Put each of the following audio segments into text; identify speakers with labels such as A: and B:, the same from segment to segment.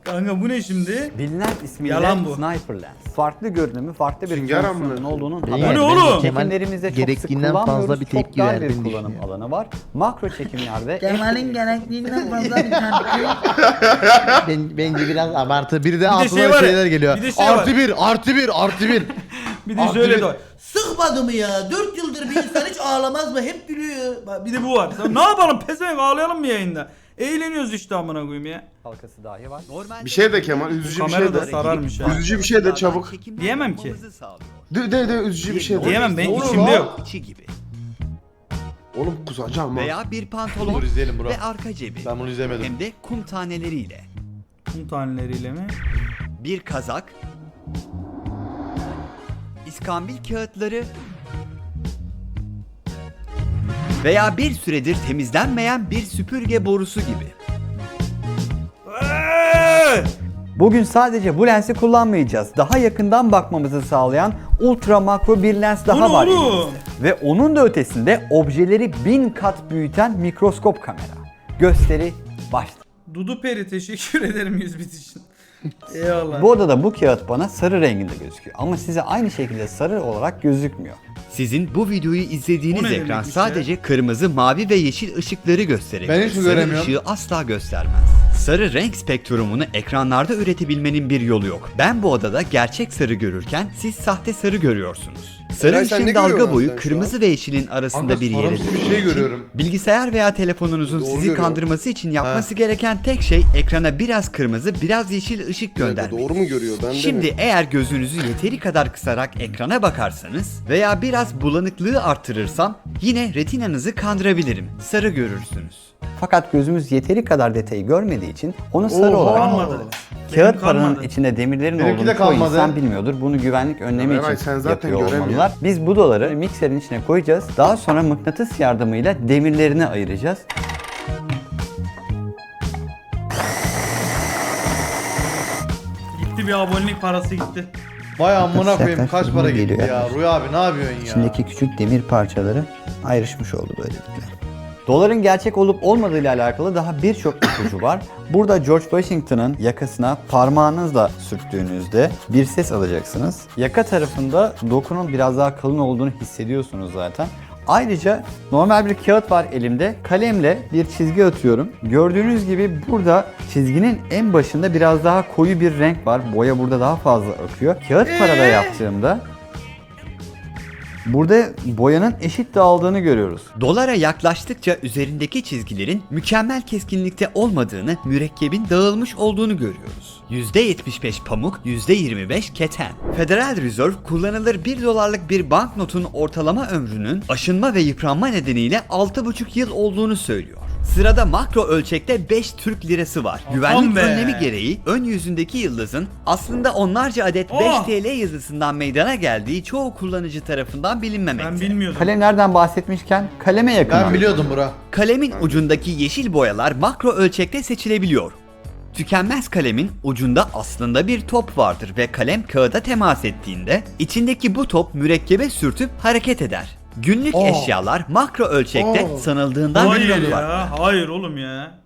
A: Kanka bu ne şimdi?
B: Bilinen ismiyle
A: Yalan bu.
B: Sniper Lens. Farklı görünümü, farklı bir
C: Sünger
B: fonksiyonun
C: mı?
B: olduğunun
A: Bu
B: haberi.
A: ne oğlum?
B: Çekimlerimizde çok sık
D: Gerektiğinden fazla
B: kullanmıyoruz.
D: bir
B: Çok
D: tepki
B: dar bir
D: verdiğini
B: kullanım
D: düşünüyorum.
B: alanı var. Makro çekimlerde
E: Kemal'in gerektiğinden fazla bir tepki.
D: Bence biraz abartı. Bir de
A: şey
D: aklıma
A: var ya,
D: şeyler geliyor.
A: bir de şey var.
D: Artı bir, artı bir, artı bir.
A: Bir de
D: Abi
A: şöyle
D: bir-
A: de var.
E: Sıkmadı mı ya? 4 yıldır bir insan hiç ağlamaz mı? Hep gülüyor.
A: Bak bir de bu var. Sen ne yapalım pezevenk ağlayalım mı yayında? Eğleniyoruz işte amına koyayım ya.
B: halkası dahi var.
C: Bir şey de Kemal, üzücü bir
A: Kamera
C: şey
A: da
C: de.
A: sararmış ha.
C: Üzücü bir şey de çabuk.
A: Diyemem ki.
C: De üzücü bir şey de.
A: Diyemem ben
C: Olur
A: içimde
C: lan.
A: yok.
F: İçi gibi
C: Oğlum kusacağım ha.
F: veya bir pantolon
D: Dur izleyelim bro.
F: ve arka cebi
D: Ben bunu izlemedim.
F: hem de kum taneleriyle
A: Kum taneleriyle mi?
F: bir kazak, iskambil kağıtları veya bir süredir temizlenmeyen bir süpürge borusu gibi.
B: Bugün sadece bu lensi kullanmayacağız. Daha yakından bakmamızı sağlayan ultra makro bir lens daha
A: Bu ne
B: var
A: oğlum?
B: elimizde. Ve onun da ötesinde objeleri 1000 kat büyüten mikroskop kamera. Gösteri başladı.
A: Dudu Peri teşekkür ederim 100 bit için. Eyvallah.
B: Bu odada bu kağıt bana sarı renginde gözüküyor ama size aynı şekilde sarı olarak gözükmüyor.
F: Sizin bu videoyu
A: O
F: izlediğiniz
A: ne
F: ekran
A: demekmiş
F: sadece kırmızı, mavi ve yeşil ışıkları gösterir.
D: Ben hiç
F: Sarı
D: göremiyorum.
F: ışığı asla göstermez. Sarı renk spektrumunu ekranlarda üretebilmenin bir yolu yok. Ben bu odada gerçek sarı görürken siz sahte sarı görüyorsunuz. Sarı
C: Eray, sen ne
F: ışığın dalga
C: görüyorsun
F: boyu
C: sen şu
F: kırmızı ve yeşilin arasında
D: Kanka
F: bir yere
D: sarımsı bir şey görüyorum.
F: bilgisayar veya telefonunuzun
C: Doğru
F: sizi
C: görüyorum.
F: kandırması için yapması gereken tek şey ekrana biraz kırmızı, biraz yeşil ışık göndermek.
C: Doğru mu görüyor? Ben de
F: Şimdi
C: mi?
F: eğer gözünüzü yeteri kadar kısarak ekrana bakarsanız veya biraz bulanıklığı arttırırsam yine retinanızı kandırabilirim. Sarı görürsünüz.
B: Fakat gözümüz yeteri kadar detayı görmediği için onu sarı
C: Oha!
B: olarak
A: Kalmadı.
B: kağıt
A: Benim
B: paranın
A: kalmadı.
B: içinde demirlerin
D: Benimki
B: olduğunu
D: de
B: çoğu
D: kalmadı.
B: insan bilmiyordur. Bunu güvenlik önlemi
C: Ya Eray,
B: için
C: sen zaten
B: yapıyor
C: göremiyorsun.
B: olmalılar. Biz bu doları mikserin içine koyacağız. Daha sonra mıknatıs yardımıyla demirlerini ayıracağız.
A: Gitti bir abonelik parası gitti.
D: Vay amına koyayım
B: Yaklaşık
D: kaç para
B: bunu
D: gitti
B: geliyor
D: ya.
B: yaklaşık.
D: Rüya abi ne yapıyorsun ya?
B: İçindeki küçük demir parçaları ayrışmış oldu böylelikle. Doların gerçek olup olmadığıyla alakalı daha birçok ipucu var. Burada George Washington'ın yakasına parmağınızla sürttüğünüzde bir ses alacaksınız. Yaka tarafında dokunun biraz daha kalın olduğunu hissediyorsunuz zaten. Ayrıca normal bir kağıt var elimde. Kalemle bir çizgi atıyorum. Gördüğünüz gibi burada çizginin en başında biraz daha koyu bir renk var. Boya burada daha fazla akıyor. Kağıt parada yaptığımda burada boyanın eşit dağıldığını görüyoruz.
F: Dolara yaklaştıkça üzerindeki çizgilerin mükemmel keskinlikte olmadığını, mürekkebin dağılmış olduğunu görüyoruz. %75 pamuk, %25 keten. Federal Reserve kullanılır 1 dolarlık bir banknotun ortalama ömrünün aşınma ve yıpranma nedeniyle 6,5 yıl olduğunu söylüyor. Sırada makro ölçekte 5 Türk lirası var. Güvenlik
A: be.
F: önlemi gereği ön yüzündeki yıldızın aslında onlarca adet 5
A: Oh.
F: TL yıldızından meydana geldiği çoğu kullanıcı tarafından bilinmemekte.
A: Ben bilmiyordum.
B: Kalemlerden bahsetmişken kaleme yakın.
D: Ben biliyordum bura.
F: Kalemin ucundaki yeşil boyalar makro ölçekte seçilebiliyor. Tükenmez kalemin ucunda aslında bir top vardır ve kalem kağıda temas ettiğinde içindeki bu top mürekkebe sürtüp hareket eder. Günlük eşyalar makro ölçekte sanıldığından
A: Hayır
F: kullanılıyor.
A: ya. Hayır oğlum ya.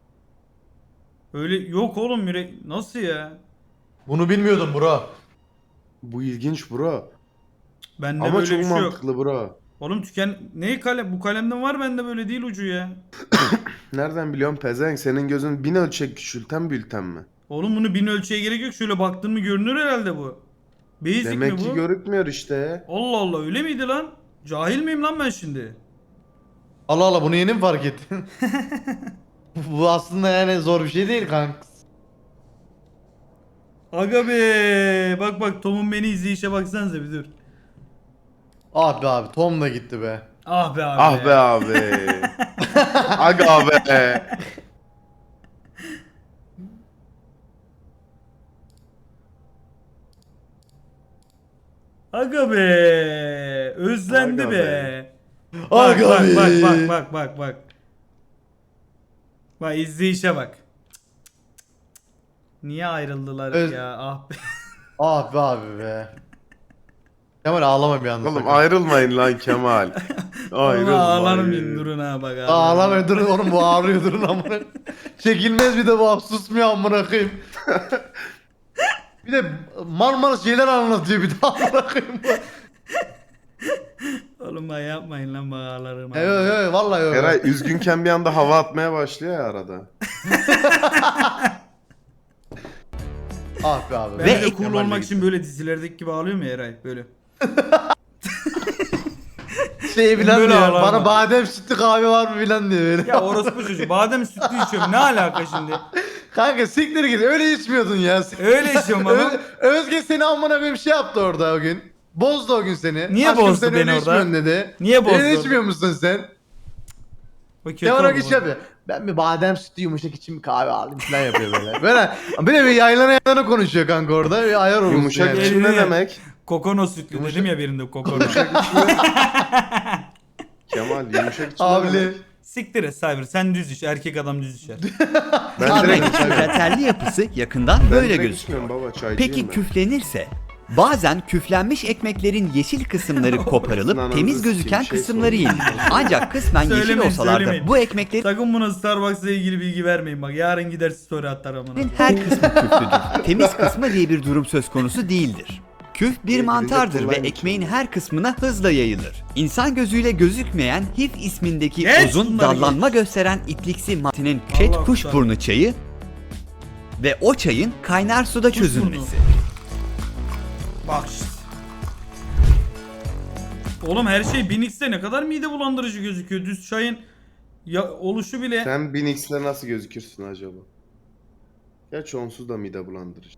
A: Öyle yok oğlum yürek. Nasıl ya?
D: Bunu bilmiyordum bura.
C: Bu ilginç bro.
A: Bende
C: Ama
A: böyle
C: çok
A: bir şey yok.
C: mantıklı bro.
A: Oğlum ne kalem? Bu kalemden var bende böyle değil ucu ya.
C: Nereden biliyorum pezevenk? Senin gözün 1000 ölçek küçülten bülten mi?
A: Oğlum bunu 1000 ölçüye gerek yok. Şöyle baktın mı görünür herhalde bu. Basic
C: Demek
A: mi
C: ki
A: bu?
C: görükmüyor işte.
A: Allah Allah öyle miydi lan? Cahil miyim lan ben şimdi?
D: Allah Allah bunu yeni mi fark ettin? Bu aslında yani zor bir şey değil kanka.
A: Aga be. Bak bak Tom'un beni izleyişe baksanıza bir dur.
D: Abi abi Tom da gitti be.
A: Ah be abi.
C: Ah be abi. Aga be.
A: Aga be. Özlendi
C: Aga
A: be.
C: be.
A: Bak
D: Aga
A: bak
D: be.
A: bak. Bak izleyişe bak. Niye ayrıldılar
D: Öz-
A: ya? Ah be.
D: Abi abi be. Kemal ağlama bir anda.
C: Oğlum
D: sakın.
C: ayrılmayın lan Kemal.
A: Ağlarım
C: Ayrılmayın.
A: durun ha bak.
D: Ağlama durun oğlum bu ağrıyor durun amına. Çekilmez bir de bu susmuyor amına koyayım. Bir de Marmaris şeyler anlatıyor bir de amına koyayım.
A: Oğlum bak yapmayın lan bak ağlarım.
D: Evet evet vallahi öyle.
C: Eray üzgünken bir anda hava atmaya başlıyor ya arada.
D: Ah be abi.
A: Ben
F: Ve
A: de cool
D: Kemal'le
A: olmak
D: gittim.
A: için böyle dizilerdeki gibi ağlıyor mu Eray? Böyle.
D: Şey bilen
A: Böyle
D: diyor.
A: ağlar
D: Bana
A: mı?
D: badem sütlü kahve var mı bilen diyor böyle.
A: Ya orospu çocuğu badem sütlü içiyorum ne alaka şimdi?
D: Kanka siktir git öyle içmiyordun ya.
A: Öyle içiyorum ama.
D: Özge seni amına koyayım şey yaptı orada o gün. Bozdu o gün seni.
A: Niye
D: Aşkım
A: bozdu
D: sen
A: beni
D: öyle
A: orada?
D: içmiyorsun dedi.
A: Niye bozdu
D: Öyle
A: orada?
D: içmiyor musun sen?
A: O kötü
D: Kemal
A: oldu
D: Akış
A: bu.
D: yapıyor. Ben bir badem sütü yumuşak içeyim kahve alayım falan yapıyor böyle. Böyle bir yaylana konuşuyor kanka orada. Bir ayar olmuş
C: Yumuşak
D: yani.
C: içim ne demek?
A: Kokono sütlü dedim ya birinde kokono.
C: Kemal yumuşak içim ne
D: Abi.
C: demek?
A: Siktir et Cyber sen düz iç erkek adam düz içer.
C: Ben direkt
F: Ahmet'in kraterli yapısı yakından
C: Ben
F: böyle
C: direkt
F: gözüküyor.
C: içmiyorum baba çaycıyım
F: Peki
C: ben.
F: küflenirse? Bazen küflenmiş ekmeklerin yeşil kısımları koparılıp
C: Ananızı
F: temiz
C: sikeyim,
F: gözüken
C: şey
F: kısımları
C: sorayım.
F: yenilir. Ancak kısmen yeşil
A: Söylemeyin,
F: olsalar da
A: söylemeyin.
F: bu ekmeklerin
A: Sakın buna Starbucks'la ilgili bilgi vermeyin bak yarın gider story atar amına.
F: her kısmı küflüdür. Temiz kısmı diye bir durum söz konusu değildir. Küf bir
C: Birbirine
F: mantardır ve
C: kullanmış.
F: ekmeğin her kısmına hızla yayılır. İnsan gözüyle gözükmeyen hif ismindeki
A: Geç
F: uzun
A: bunları
F: dallanma gösteren ipliksi maddinin çet
A: Allah
F: kuşburnu çayı ve o çayın kaynar suda
A: Kuşburnu.
F: çözülmesi.
A: Bak işte. Oğlum her şey 1000x'te ne kadar mide bulandırıcı gözüküyor. Düz çayın ya oluşu bile.
C: Sen 1000x'le nasıl gözükürsün acaba? Gerçi onsuz da mide bulandırıcı.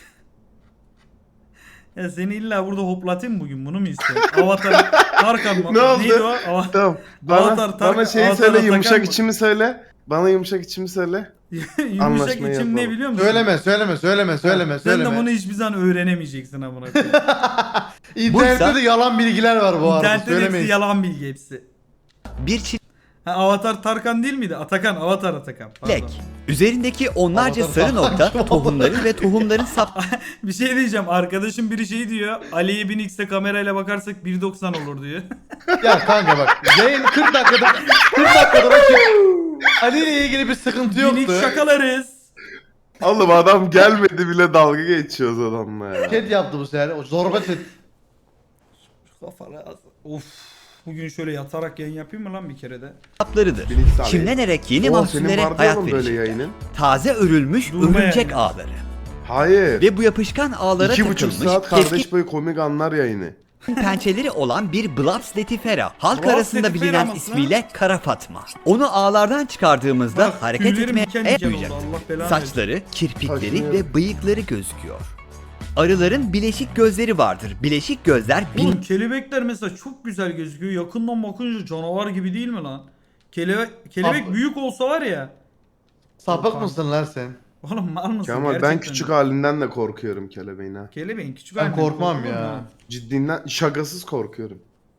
A: Ya seni illa burada hoplatayım bugün bunu mu istiyorsun? Avatar Tarkan mı?
C: Ne oldu?
A: Neydi o?
C: Tamam.
A: Avatar,
C: Bana şeyi
A: Avatar
C: söyle
A: Atakan
C: yumuşak
A: mı?
C: içimi söyle. Bana yumuşak içimi söyle.
A: Yumuşak
C: Anlaşmayı
A: içim ne
C: yapalım.
A: biliyor musun?
D: Söyleme.
A: Sen de bunu hiçbir zaman öğrenemeyeceksin amına koyayım.
D: İnternette
F: Buysa-
D: de yalan bilgiler var bu arada.
A: İnternette de hepsi
D: Söylemeyin.
A: yalan bilgi hepsi.
F: Bir çilek
A: Ha, Avatar Tarkan değil miydi? Atakan, Avatar Atakan. Pardon.
F: üzerindeki onlarca
D: Avatar
F: sarı nokta
D: falan.
F: tohumları ve tohumların sap
A: Bir şey diyeceğim. Arkadaşım biri şey diyor. Ali'ye 1000x'te kamerayla bakarsak 1.90 olur diyor.
D: Ya kanka bak yayın 40 dakikada açık. Ali ile ilgili bir sıkıntı
A: 1000x
D: yoktu.
A: şakalarız.
C: Oğlum adam gelmedi bile dalga geçiyoruz adamla ya.
D: Chat yaptı bu sefer. O zorba chat.
A: Kafalı of. Bugün şöyle yatarak yayın yapayım mı lan bir kere de?
F: saplarıdır.
C: 1000x abi.
F: Çimlenerek yeni
C: Oo,
F: mahsullere
C: senin vardı
F: hayat
C: oğlum böyle
F: verecek.
C: yayının.
F: Taze örülmüş
A: Durma
F: örümcek
A: yani.
F: ağları.
C: Hayır.
F: Ve bu yapışkan ağlara
C: 2,5
F: takılmış
C: saat
F: keskin
C: kardeş boyu komik anlar yayını.
F: pençeleri olan bir Blaps letifera. Halk
A: Blaps
F: arasında
A: letifera
F: bilinen
A: mı?
F: ismiyle Kara Fatma. Onu ağlardan çıkardığımızda
A: Bak,
F: hareket
A: tüylerim
F: etmeye
A: diken diken oldu,
F: yapacak.
A: Allah belanı
F: Saçları, kirpikleri
C: Kaşınıyor.
F: ve bıyıkları gözüküyor. Arıların bileşik gözleri vardır. Bileşik gözler
A: Oğlum kelebekler mesela çok güzel gözüküyor. Yakından bakınca canavar gibi değil mi lan? Kelebek
D: Abi-
A: büyük olsa var ya.
D: Sapık mısın lan sen?
A: Oğlum mal mısın?
C: Kemal ben
A: Gerçekten
C: küçük
A: de.
C: halinden de korkuyorum kelebeğin ha.
A: Kelebeğin küçük
D: Ben
A: halinden
D: korkmam
A: korkulur
D: ya.
A: mu?
C: Ciddinden şakasız korkuyorum.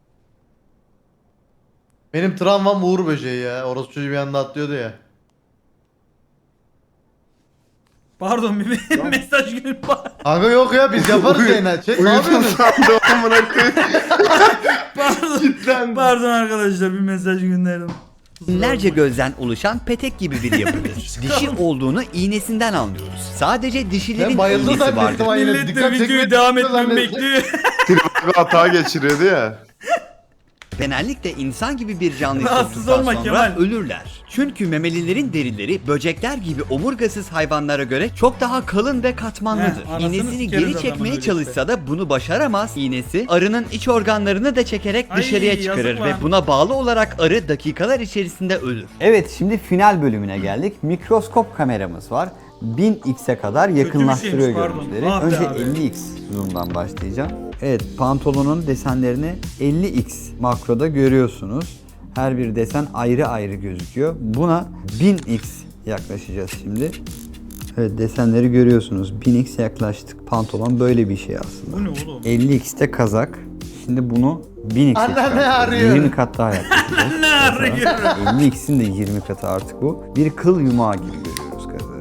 D: Benim travmam Uğur böceği ya. Orası çocuğu bir anda atlıyordu ya.
A: Pardon bir mesaj günü var.
D: Kanka yok ya biz yaparız yayına. Chat ne
C: Uyudum
D: yapıyorsunuz?
C: sandım amına koyayım.
A: Pardon.
C: Cidden.
A: Pardon arkadaşlar bir mesaj gönderdim.
F: binlerce gözden oluşan petek gibi bir yapıdır. Dişi olduğunu iğnesinden anlıyoruz. Sadece dişilerin
D: Ben bayıldım
F: iğnesi
D: zannettim
F: vardır.
D: ha yine.
A: Millet de
D: Dikkat
A: videoyu
D: çekmeye
A: devam
D: çalışıyor
A: etmemi
D: zannettim.
A: bekliyor.
C: Trivago hata geçiriyordu ya.
F: Genellikle insan gibi bir canlıyı
A: Rahatsız
F: soktuktan
A: olma
F: sonra
A: Kemal.
F: ölürler. Çünkü memelilerin derileri böcekler gibi omurgasız hayvanlara göre çok daha kalın ve katmanlıdır.
A: Heh, anasını
F: İğnesini
A: sikeriz
F: geri
A: adamın
F: çekmeye
A: öyle
F: çalışsa da bunu başaramaz. İğnesi arının iç organlarını da çekerek
A: Ay,
F: dışarıya çıkarır
A: yazık
F: ve
A: lan.
F: buna bağlı olarak arı dakikalar içerisinde ölür.
B: Evet, şimdi final bölümüne geldik. Mikroskop kameramız var. 1000x'e kadar yakınlaştırıyor
A: şeymiş, pardon.
B: görüntüleri.
A: Ah be
B: Önce
A: abi.
B: 50x zoom'dan başlayacağım. Evet, pantolonun desenlerini 50x makroda görüyorsunuz. Her bir desen ayrı ayrı gözüküyor. Buna 1000x yaklaşacağız şimdi. Evet, desenleri görüyorsunuz. 1000x yaklaştık. Pantolon böyle bir şey aslında.
A: Bu ne oğlum?
B: 50x'te kazak. Şimdi bunu 1000x'e
D: Anne ne
B: çıkartıyoruz.
D: arıyor?
B: 20 kat daha yaklaşacağız.
A: Ne arıyor?
B: 50x'in de 20 katı artık bu. Bir kıl yumağı gibi görüyoruz kazığı.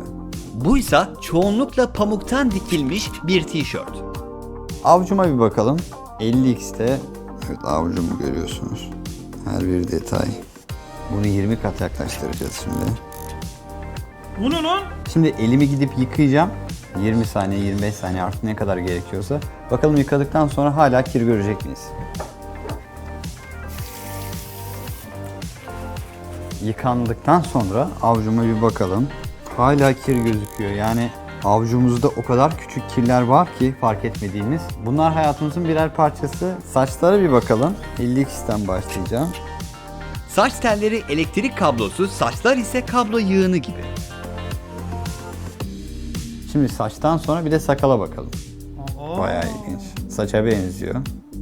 F: Buysa çoğunlukla pamuktan dikilmiş bir tişört.
B: Avcuma bir bakalım. 50x'te evet avucumu görüyorsunuz. Her bir detay. Bunu 20 kat yaklaştıracağız şimdi.
A: Bu ne lan?
B: Şimdi elimi gidip yıkayacağım. 20 saniye, 25 saniye artık ne kadar gerekiyorsa. Bakalım yıkadıktan sonra hala kir görecek miyiz? Yıkandıktan sonra avucuma bir bakalım. Hala kir gözüküyor. Yani avucumuzda o kadar küçük kirler var ki fark etmediğimiz. Bunlar hayatımızın birer parçası. Saçlara bir bakalım. 50x'ten başlayacağım.
F: Saç telleri elektrik kablosu, saçlar ise kablo yığını gibi.
B: Şimdi saçtan sonra bir de sakala bakalım.
A: Aa.
B: Bayağı ilginç. Saça benziyor.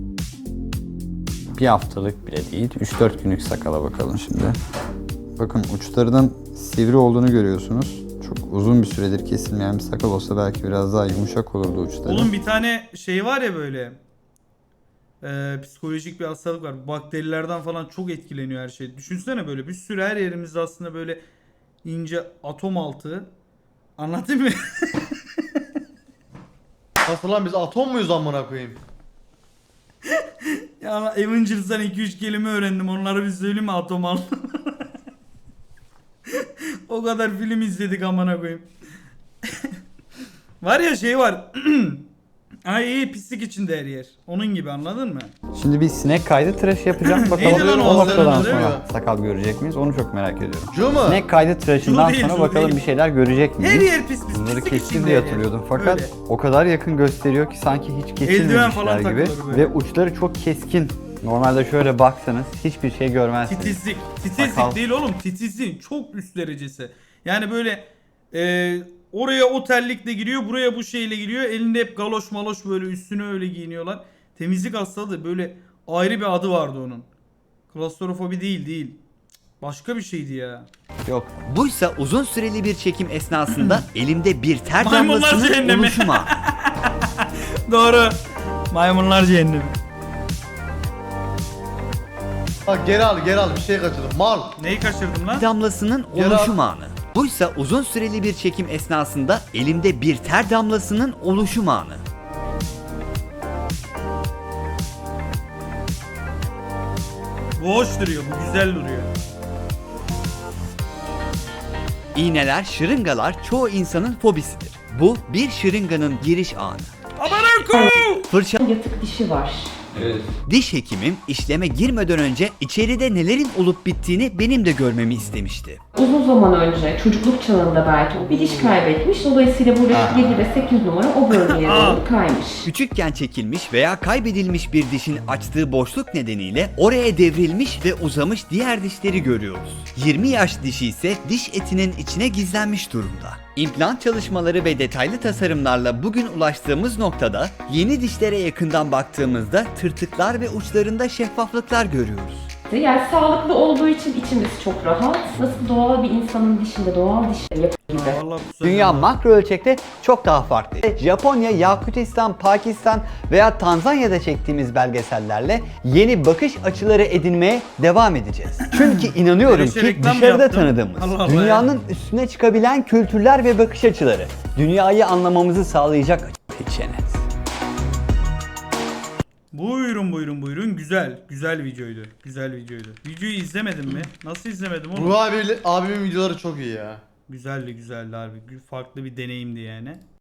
B: Bir haftalık bile değil. 3-4 günlük sakala bakalım şimdi. Bakın uçlarının sivri olduğunu görüyorsunuz. Çok uzun bir süredir kesilmeyen bir sakal olsa belki biraz daha yumuşak olurdu uçları.
A: Oğlum bir tane şey var ya böyle. Psikolojik bir hastalık var. Bakterilerden falan çok etkileniyor her şey. Düşünsene böyle bir sürü her yerimizde aslında böyle ince atom altı. Anlatayım mı?
D: Nasıl lan biz atom muyuz amına koyayım?
A: Ya Avengers'dan 2-3 kelime öğrendim. Onları bir söyleyeyim mi atom altı? O kadar film izledik amına koyayım. Var ya şey var. Ay iyi pislik içinde her yer. Onun gibi anladın mı?
B: Şimdi bir sinek kaydı tıraşı yapacağım.
A: Neydi
B: Bakalım
A: lan o
B: o noktadan
A: hazırladı, değil
B: sonra
D: mi?
B: sakal görecek miyiz? Onu çok merak ediyorum.
D: Cu mu?
B: Sinek kaydı tıraşından
A: Cu değil,
B: sonra
A: cu
B: bakalım
A: değil.
B: bir şeyler görecek miyiz?
A: Her yer pis pis.
B: Bunları
A: pislik
B: kestim
A: içinde
B: diye
A: her yer.
B: hatırlıyordum fakat
A: Öyle.
B: o kadar yakın gösteriyor ki sanki hiç
A: Eldiven
B: kesilmemişler
A: falan
B: gibi
A: takılır böyle.
B: ve uçları çok keskin. Normalde şöyle baksanız hiçbir şey görmezsiniz.
A: Titizlik. Titizlik
B: Sakal.
A: değil oğlum. Titizliğin çok üst derecesi. Yani böyle oraya o terlikle giriyor. Buraya bu şeyle giriyor. Elinde hep galoş maloş böyle üstüne öyle giyiniyorlar. Temizlik hastalığı böyle ayrı bir adı vardı onun. Klostrofobi değil. Başka bir şeydi ya.
B: Yok.
F: Buysa uzun süreli bir çekim esnasında elimde bir ter
A: Maymunlar
F: damlasının
A: cehennemi.
F: oluşumu.
A: Doğru. Maymunlar cehennemi.
D: Bak geri al bir şey kaçırdım. Mal.
A: Neyi kaçırdım lan?
F: damlasının
D: Yarat-
F: oluşum anı. Buysa uzun süreli bir çekim esnasında elimde bir ter damlasının oluşum anı.
A: Bu hoş duruyor. Bu güzel duruyor.
F: İğneler, şırıngalar çoğu insanın fobisidir. Bu bir şırınganın giriş anı.
A: Aman
F: Fırça
G: Yatık dişi var.
F: diş hekimim işleme girmeden önce içeride nelerin olup bittiğini benim de görmemi istemişti.
G: Uzun zaman önce çocukluk çağında belki o bir diş kaybetmiş. Dolayısıyla buradaki 7 ve 8 numara o bölgeye doğru kaymış.
F: Küçükken çekilmiş veya kaybedilmiş bir dişin açtığı boşluk nedeniyle oraya devrilmiş ve uzamış diğer dişleri görüyoruz. 20 yaş dişi ise diş etinin içine gizlenmiş durumda. İmplant çalışmaları ve detaylı tasarımlarla bugün ulaştığımız noktada yeni dişlere yakından baktığımızda tırtıklar ve uçlarında şeffaflıklar görüyoruz.
G: Yani sağlıklı olduğu için içimiz çok rahat. Nasıl doğal bir insanın dişinde doğal dişleri yapıyor gibi.
A: Vallahi kusura
B: Dünya
A: bakma.
B: makro ölçekte çok daha farklı. Japonya, Yakutistan, Pakistan veya Tanzanya'da çektiğimiz belgesellerle yeni bakış açıları edinmeye devam edeceğiz. Çünkü inanıyorum
A: Böyle şey
B: ki
A: reklam mı
B: dışarıda
A: yaptın?
B: tanıdığımız,
A: Allah Allah
B: dünyanın üstüne çıkabilen kültürler ve bakış açıları, dünyayı anlamamızı sağlayacak seçenek.
A: Buyurun. Güzel videoydu. Videoyu izlemedin mi? Nasıl izlemedim oğlum?
D: Bu abimin videoları çok iyi ya.
A: Güzeldi harbi. Farklı bir deneyimdi yani.